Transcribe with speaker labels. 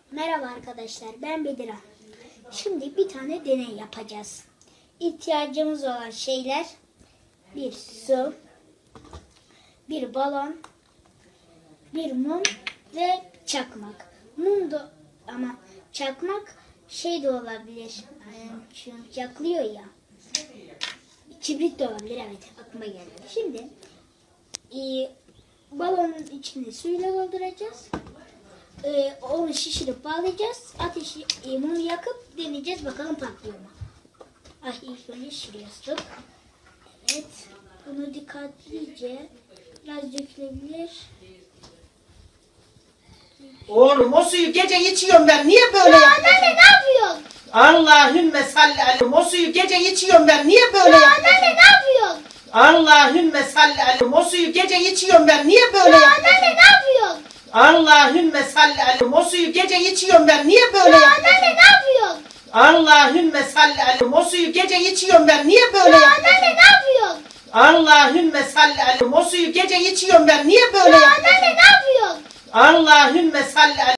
Speaker 1: Merhaba arkadaşlar, ben Bedira. Şimdi bir tane deney yapacağız. İhtiyacımız olan şeyler: bir su, bir balon, bir mum ve çakmak. Mum da ama çakmak şey de olabilir. Şu yaklıyor ya. Kibrit de olabilir, evet, aklıma geldi. Şimdi balonun içini suyla dolduracağız. Onu şişirip bağlayacağız. Ateşi mumu yakıp deneyeceğiz, bakalım patlıyor mu? İlk önce şuraya tut. Evet. Bunu dikkatlice biraz dökülebilir.
Speaker 2: Oğlum o suyu gece içiyorum ben. Niye böyle yapıyorsun?
Speaker 1: Anneanne ne yapıyorsun?
Speaker 2: Allahümme salli aleyhi. O suyu gece içiyorum ben. Niye böyle yapıyorsun?
Speaker 1: Anneanne ne yapıyorsun?
Speaker 2: Allahümme salli aleyhi. O suyu gece içiyorum ben. Niye böyle yapıyorsun?
Speaker 1: Anneanne ne yapıyorsun?
Speaker 2: Allahümme salli aleyhi. O suyu gece içiyorum ben. Niye böyle yapıyorsun?
Speaker 1: Anneanne ne yapıyorsun?
Speaker 2: Allahümme salli aleyhi. O suyu gece içiyorum ben. Niye böyle yapıyorsun?
Speaker 1: Anneanne ne yapıyorsun?
Speaker 2: Allahümme salli aleyhi. O suyu gece içiyorum ben. Niye böyle yapıyorsun?
Speaker 1: Anneanne ne yapıyorsun?
Speaker 2: Allahümme salli aleyhi.